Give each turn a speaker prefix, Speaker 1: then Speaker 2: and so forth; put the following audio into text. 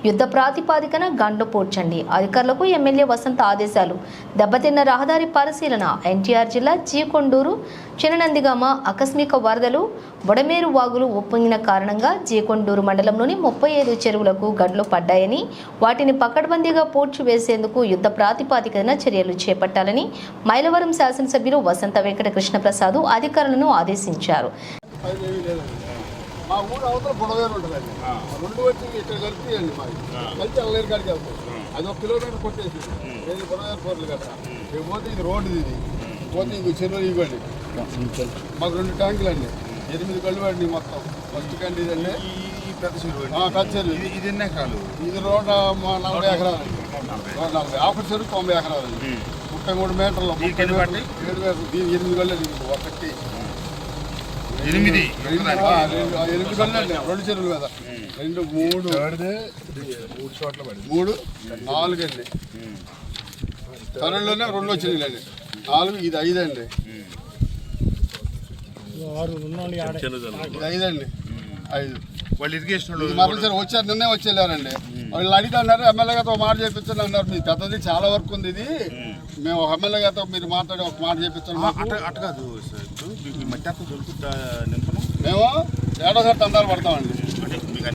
Speaker 1: యుద్ధ ప్రాతిపాదికన గండ్లు పూడ్చండి. అధికారులకు ఎమ్మెల్యే వసంత ఆదేశాలు. దెబ్బతిన్న రహదారి పరిశీలన. ఎన్టీఆర్ జిల్లా జీకొండూరు చిననందిగామ ఆకస్మిక వరదలు బొడమేరు వాగులు ఉప్పొంగిన కారణంగా జీకొండూరు మండలంలోని 35 చెరువులకు గండ్లు పడ్డాయని, వాటిని పకడ్బందీగా పూడ్చివేసేందుకు యుద్ధ ప్రాతిపాదికన చర్యలు చేపట్టాలని మైలవరం శాసనసభ్యులు వసంత వెంకట కృష్ణప్రసాద్ అధికారులను ఆదేశించారు.
Speaker 2: మా ఊరు అవతల బుడవేరు ఉంటుందండి. రెండు వచ్చి ఇక్కడ కలిపియండి మాది కలిసి అల్లరి కాడికి వెళ్తాం. అది 1 కిలోమీటర్ కొట్టేసి ఏది బుడవేరు కోర్లు కదా. పోతే ఇది రోడ్డు, ఇది పోతే ఇంకో చెరువులు ఇవ్వండి. మాకు 2 ట్యాంకులు అండి, 8 కళ్ళు అండి మొత్తం. ఫస్ట్ కండి ఇదండి పెద్ద చెరువు. ఇది ఎన్ని ఎకరాలు? ఇది 140 ఎకరాలు. 140 ఆఫర్ చెరువు 90 ఎకరాలు అండి. 33 మీటర్లు 7 మీటర్లు. దీని 8 కళ్ళు అండి. ఒకటి 8 కళ్ళు అండి. 2 చెరువులు కదా. 2 3 చోట్ల 3 4 అండి. కరెంట్లోనే 2 వచ్చినాయి అండి. 4 ఇది 5 అండి. ఇది 5 అండి. 5
Speaker 3: వాళ్ళు ఇరిగేషన్
Speaker 2: మరొకసారి వచ్చారు, నిన్నే వచ్చి వెళ్ళారండి. వాళ్ళు అడిగితే అన్నారు ఎమ్మెల్యే గారితో మాట చేయించండి అన్నారు. మీ పెద్దది చాలా వరకు ఉంది, ఇది మేము ఎమ్మెల్యే గారితో మీరు మాట్లాడి ఒక మాట చేయించండి.
Speaker 3: అట్ట కాదు సార్, మట్టి దొరుకుతుందా?
Speaker 2: మేము 7వ సారి తండాలు పడతామండి.